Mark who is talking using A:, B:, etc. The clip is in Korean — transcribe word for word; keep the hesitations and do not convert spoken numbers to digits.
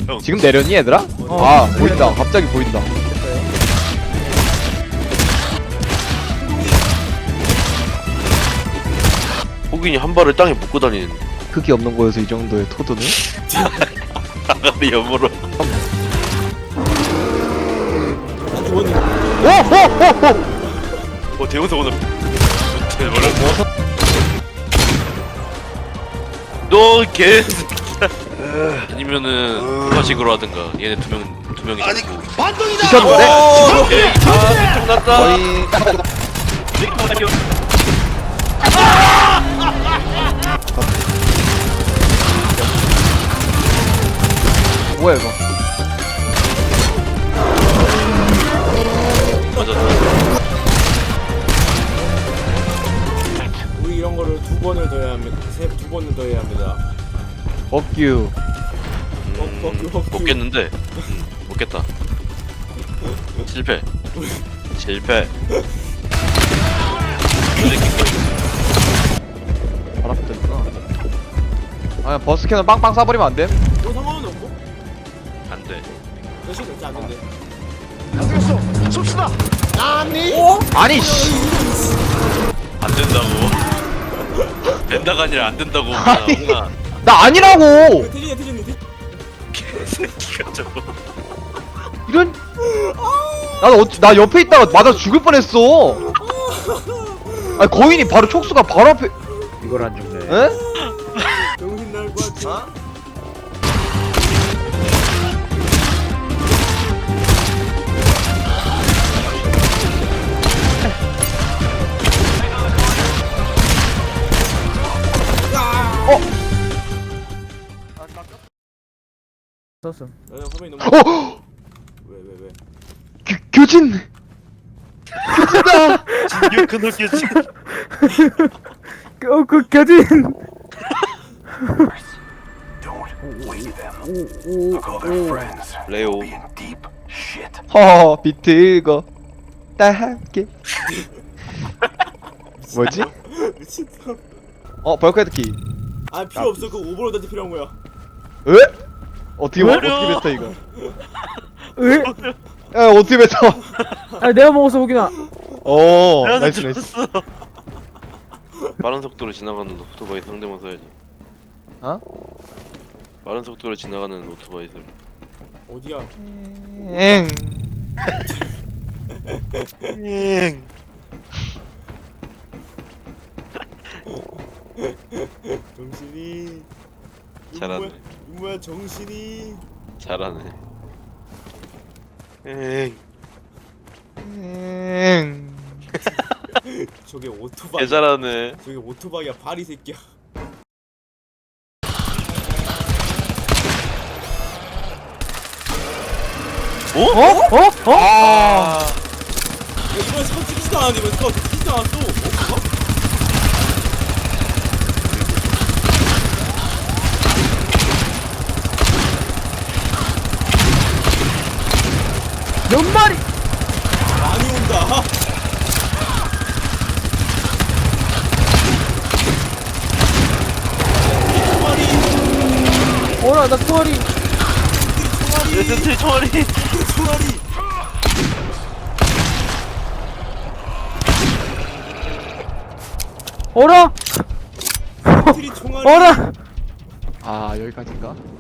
A: 형.
B: 지금 내렸니 얘들아?
C: 어.
B: 아 보인다. 갑자기 보인다.
A: 호균이 한 발을 땅에 묶고 다니는데.
B: 흙이 없는 거여서 이 정도의 토도는?
A: 아가리 여물어.
B: 오호호호!
A: 어 대원석 오늘. 뭐라? 너 개. 아니면은 부가식으로 하든가. 얘네 두 명 두 명이. 아니
B: 지켰는데?
A: 오케이. 아 좀 났다.
B: 거의 뭐야 이거?
A: 맞았다.
C: 우리 이런 거를 두 번을 더 해야 합니다. 세, 두 번을 더 해야 합니다.
B: 법규.
A: 음,
C: 어, 어, 어, 어.
A: 못 깼는데. 음, 못 깼다. 실패. 실패.
B: 바람들구나. 아 버스캐는 빵빵 쏴버리면 안 돼?
C: 뭐 상관은 없고?
A: 안 돼.
C: 대신 진짜 안 된대.
B: 아니 씨.
A: 안 된다고. 된다가 아니라 안 된다고.
B: 아니.
A: 홍아.
B: 나 아니라고.
C: 태진이 태진이 태진.
A: 개새끼가 저거.
B: 이런. 나도 어, 나 옆에 있다가 맞아 죽을 뻔했어. 아니 거인이 바로 촉수가 바로 앞에.
D: 이걸 안 죽네.
B: 에?
C: 정신 나갈 것 같아.
D: 썼음.
C: 야, 화면이 너무.
B: 어.
C: 왜 왜 왜?
B: 교, 교진. 교진다.
A: 진규 끊었겠지.
D: 어, 그 겨진.
A: 레오.
B: 허 비트거 다 함께. 뭐지?
C: 미친다.
B: 어 벌크헤드 키.
C: 아 필요 없어. 그 오버로드한테 필요한 거야.
B: 에? 어떻게 뭐,
A: 어려워.
B: 어떻게 뱉어 이거?
D: 왜?
B: 야 어떻게 뱉어?
D: 아, 내가 먹었어, 호기나.
B: 오 나이스 나이스.
A: 빠른 속도로 지나가는 오토바이 상대만 써야지.
B: 어?
A: 빠른 속도로 지나가는 오토바이 들
C: 어디야?
B: 엥.
C: 정신이.
A: 잘하네.
C: 뭐야 정신이.
A: 잘하네. 엥.
B: 엥.
C: 저게 오토바이.
A: 개 잘하네.
C: 저게 오토바이야 발이 새끼야.
A: 어?
B: 어? 어? 어? 아.
C: 야 이번에 스커 찍히지도 않았는데 이번에 스커 찍히지도 않았어. 어?
D: 몇 마리?
C: 많이 온다.
D: 어라, 나 투어리.
A: 레전드 총알이.
C: 총알이.
D: 어라?
C: 트리 총알이.
D: 어라?
B: 아 여기까지인가?